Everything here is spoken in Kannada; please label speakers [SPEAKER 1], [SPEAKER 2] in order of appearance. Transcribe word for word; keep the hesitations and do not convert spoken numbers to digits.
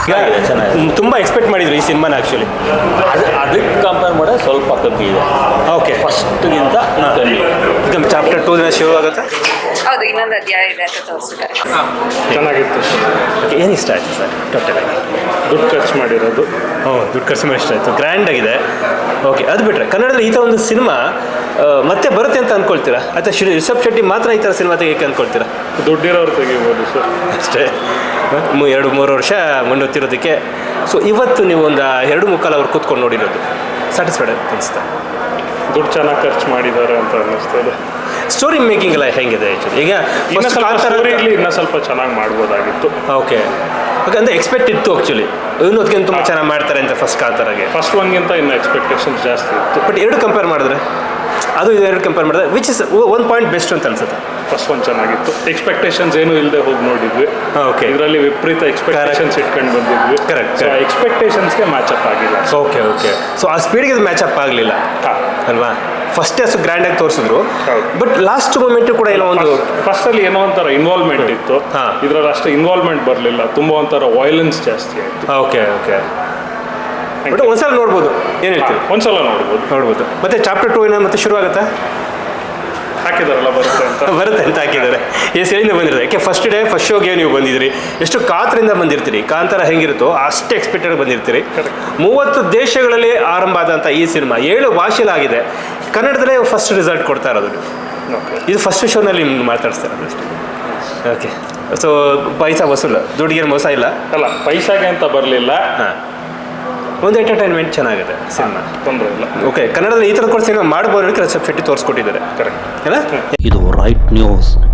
[SPEAKER 1] ಚೆನ್ನಾಗಿದೆ ಚೆನ್ನಾಗಿದೆ
[SPEAKER 2] ತುಂಬ ಎಕ್ಸ್ಪೆಕ್ಟ್ ಮಾಡಿದ್ರು ಈ ಸಿನಿಮಾನ ಆ್ಯಕ್ಚುಲಿ.
[SPEAKER 1] ಅದು ಅದಕ್ಕೆ ಕಂಪೇರ್ ಮಾಡಿದ್ರೆ ಸ್ವಲ್ಪ ಕಮ್ಮಿ ಇದೆ.
[SPEAKER 2] ಓಕೆ,
[SPEAKER 1] ಫಸ್ಟ್ಗಿಂತ ಕಮ್ಮಿ.
[SPEAKER 2] ಚಾಪ್ಟರ್ ಟೂ ದಿನ ಶುರು ಆಗುತ್ತೆ.
[SPEAKER 3] ಹೌದು, ಇನ್ನೊಂದು ಅಧ್ಯಾಯ ಇದೆ ಅಂತ ತೋರಿಸಿದ್ದಾರೆ.
[SPEAKER 4] ಚೆನ್ನಾಗಿತ್ತು.
[SPEAKER 2] ಓಕೆ, ಏನು ಇಷ್ಟ ಆಯಿತು ಸರ್ ಟೋಟಲಾಗಿ?
[SPEAKER 4] ದುಡ್ಡು ಖರ್ಚು ಮಾಡಿರೋದು.
[SPEAKER 2] ಹ್ಞೂ, ದುಡ್ಡು ಖರ್ಚು ಮಾಡಿ ಇಷ್ಟ ಆಯಿತು, ಗ್ರ್ಯಾಂಡ್ ಆಗಿದೆ. ಓಕೆ, ಅದು ಬಿಟ್ಟರೆ ಕನ್ನಡದಲ್ಲಿ ಈ ಥರ ಒಂದು ಸಿನಿಮಾ ಮತ್ತೆ ಬರುತ್ತೆ ಅಂತ ಅಂದ್ಕೊಳ್ತೀರಾ, ಅಥವಾ ಶ್ರೀ ರಿಷಬ್ ಶೆಟ್ಟಿ ಮಾತ್ರ ಈ ಥರ ಸಿನಿಮಾ ತೆಗಿಯೋಕ್ಕೆ ಅಂದ್ಕೊಳ್ತೀರಾ?
[SPEAKER 4] ದುಡ್ಡಿರೋರು ತೆಗಿಬೋದು ಸರ್
[SPEAKER 2] ಅಷ್ಟೇ. ಮೂ ಎರಡು ಮೂರು ವರ್ಷ ಮುನ್ನೂತ್ತಿರೋದಕ್ಕೆ. ಸೊ ಇವತ್ತು ನೀವು ಒಂದು ಎರಡು ಮುಕ್ಕಾಲು ಅವ್ರು ಕೂತ್ಕೊಂಡು ನೋಡಿರೋದು ಸ್ಯಾಟಿಸ್ಫೈಡ್ ಅನಿಸ್ತಾ?
[SPEAKER 4] ದುಡ್ಡು ಚೆನ್ನಾಗಿ ಖರ್ಚು ಮಾಡಿದ್ದಾರೆ ಅಂತ ಅನ್ನಿಸ್ತದೆ.
[SPEAKER 2] ಸ್ಟೋರಿ ಮೇಕಿಂಗ್ ಎಲ್ಲ ಹೆಂಗಿದೆ ಆ್ಯಕ್ಚುಲಿ? ಈಗ
[SPEAKER 4] ಇನ್ನೂ ಸ್ವಲ್ಪ ಸ್ಟೋರಿಲಿ ಇನ್ನೂ ಸ್ವಲ್ಪ ಚೆನ್ನಾಗಿ ಮಾಡ್ಬೋದಾಗಿತ್ತು.
[SPEAKER 2] ಓಕೆ ಓಕೆ, ಅಂದರೆ ಎಕ್ಸ್ಪೆಕ್ಟ್ ಇತ್ತು ಆ್ಯಕ್ಚುಲಿ, ಇನ್ನೂ ಅದಕ್ಕಿಂತ ತುಂಬ ಚೆನ್ನಾಗಿ ಮಾಡ್ತಾರೆ ಅಂತ ಫಸ್ಟ್ ಕಾಂತಾರಾಗೆ.
[SPEAKER 4] ಫಸ್ಟ್ ಒನ್ಗಿಂತ ಇನ್ನೂ ಎಕ್ಸ್ಪೆಕ್ಟೇಷನ್ಸ್ ಜಾಸ್ತಿ ಇತ್ತು.
[SPEAKER 2] ಬಟ್ ಎರಡು ಕಂಪೇರ್ ಮಾಡಿದ್ರೆ, ಅದು ಇದು ಎರಡು ಕಂಪೇರ್ ಮಾಡಿದ್ರೆ which is one point best ಅಂತ ಅನ್ಸುತ್ತೆ?
[SPEAKER 4] ಫಸ್ಟ್ ಒನ್ ಚೆನ್ನಾಗಿತ್ತು. ಎಕ್ಸ್ಪೆಕ್ಟೇಷನ್ಸ್ ಏನೂ ಇಲ್ಲದೆ ಹೋಗಿ ನೋಡಿದ್ವಿ.
[SPEAKER 2] ಓಕೆ,
[SPEAKER 4] ಇದರಲ್ಲಿ ವಿಪರೀತ ಎಕ್ಸ್ಪೆಕ್ಟೇಷನ್ಸ್ ಇಟ್ಕೊಂಡು ಬಂದಿದ್ವಿ.
[SPEAKER 2] ಕರೆಕ್ಟ್.
[SPEAKER 4] ಸೊ ಎಕ್ಸ್ಪೆಕ್ಟೇಷನ್ಸ್ಗೆ ಮ್ಯಾಚಪ್ ಆಗಿಲ್ಲ.
[SPEAKER 2] ಓಕೆ ಓಕೆ, ಸೊ ಆ ಸ್ಪೀಡ್ಗೆ ಅದು ಮ್ಯಾಚಪ್ ಆಗಲಿಲ್ಲ ಅಲ್ವಾ? ಫಸ್ಟೇ ಅಷ್ಟು ಗ್ರ್ಯಾಂಡಾಗಿ ತೋರಿಸಿದ್ರು, ಬಟ್ ಲಾಸ್ಟ್ ಮೂಮೆಂಟು ಕೂಡ ಏನೋ ಒಂದು
[SPEAKER 4] ಫಸ್ಟಲ್ಲಿ ಏನೋ ಒಂಥರ ಇನ್ವಾಲ್ವ್ಮೆಂಟ್ ಇತ್ತು.
[SPEAKER 2] ಹಾಂ,
[SPEAKER 4] ಇದರಲ್ಲಿ ಅಷ್ಟು ಇನ್ವಾಲ್ವ್ಮೆಂಟ್ ಬರಲಿಲ್ಲ. ತುಂಬ ಒಂಥರ ವೈಲೆನ್ಸ್ ಜಾಸ್ತಿ ಆಯಿತು.
[SPEAKER 2] ಓಕೆ ಓಕೆ, ಬಟ್ ಒಂದ್ಸಲ ನೋಡ್ಬೋದು. ಏನು ಹೇಳ್ತೀವಿ?
[SPEAKER 4] ಒಂದ್ಸಲ ನೋಡ್ಬೋದು
[SPEAKER 2] ನೋಡ್ಬೋದು. ಮತ್ತೆ ಚಾಪ್ಟರ್ ಟೂ ಏನೋ ಮತ್ತೆ ಶುರು ಆಗುತ್ತಾ?
[SPEAKER 4] ಹಾಕಿದಾರಲ್ಲ ಬರುತ್ತೆ ಅಂತ
[SPEAKER 2] ಬರುತ್ತೆ ಅಂತ ಹಾಕಿದ್ದಾರೆ. ಎಷ್ಟು ಹೇಳಿಂದ ಬಂದಿರೋದು? ಯಾಕೆ ಫಸ್ಟ್ ಡೇ ಫಸ್ಟ್ ಶೋಗೆ ನೀವು ಬಂದಿದ್ದೀರಿ, ಎಷ್ಟು ಕಾತರಿಂದ ಬಂದಿರ್ತೀರಿ. ಕಾಂತಾರ ಹೆಂಗಿರುತ್ತೋ ಅಷ್ಟು ಎಕ್ಸ್ಪೆಕ್ಟೆಡ್ ಬಂದಿರ್ತೀರಿ. ಮೂವತ್ತು ದೇಶಗಳಲ್ಲಿ ಆರಂಭ ಆದಂಥ ಈ ಸಿನಿಮಾ ಏಳು ಭಾಷೆಲಾಗಿದೆ. ಕನ್ನಡದಲ್ಲೇ ಫಸ್ಟ್ ರಿಸಲ್ಟ್ ಕೊಡ್ತಾ ಇರೋದು. ಇದು ಫಸ್ಟ್ ಶೋನಲ್ಲಿ ನಿಮ್ಗೆ ಮಾತಾಡಿಸ್ತಾ ಇರೋದು ಅಷ್ಟೇ. ಓಕೆ, ಸೊ ಪೈಸಾ ವಸೂಲ, ದುಡ್ಡಿಗೆ ಮೋಸ ಇಲ್ಲ
[SPEAKER 4] ಅಲ್ಲ, ಪೈಸಾಗೆ ಅಂತ ಬರಲಿಲ್ಲ.
[SPEAKER 2] ಹಾಂ, ಒಂದು ಎಂಟರ್ಟೈನ್ಮೆಂಟ್ ಚೆನ್ನಾಗಿದೆ ಸಿನಿಮಾ,
[SPEAKER 4] ತೊಂದರೆ ಇಲ್ಲ.
[SPEAKER 2] ಓಕೆ, ಕನ್ನಡದಲ್ಲಿ ಈ ಥರದ ಕೂಡ ಸಿನಿಮಾ ಮಾಡ್ಬೋದು. ರಿಷಬ್ ಶೆಟ್ಟಿ ತೋರಿಸ್ಕೊಟ್ಟಿದ್ದಾರೆ.
[SPEAKER 4] ಕರೆಕ್ಟ್
[SPEAKER 2] ಅಲ್ಲ?
[SPEAKER 5] ಇದು ರೈಟ್ ನ್ಯೂಸ್.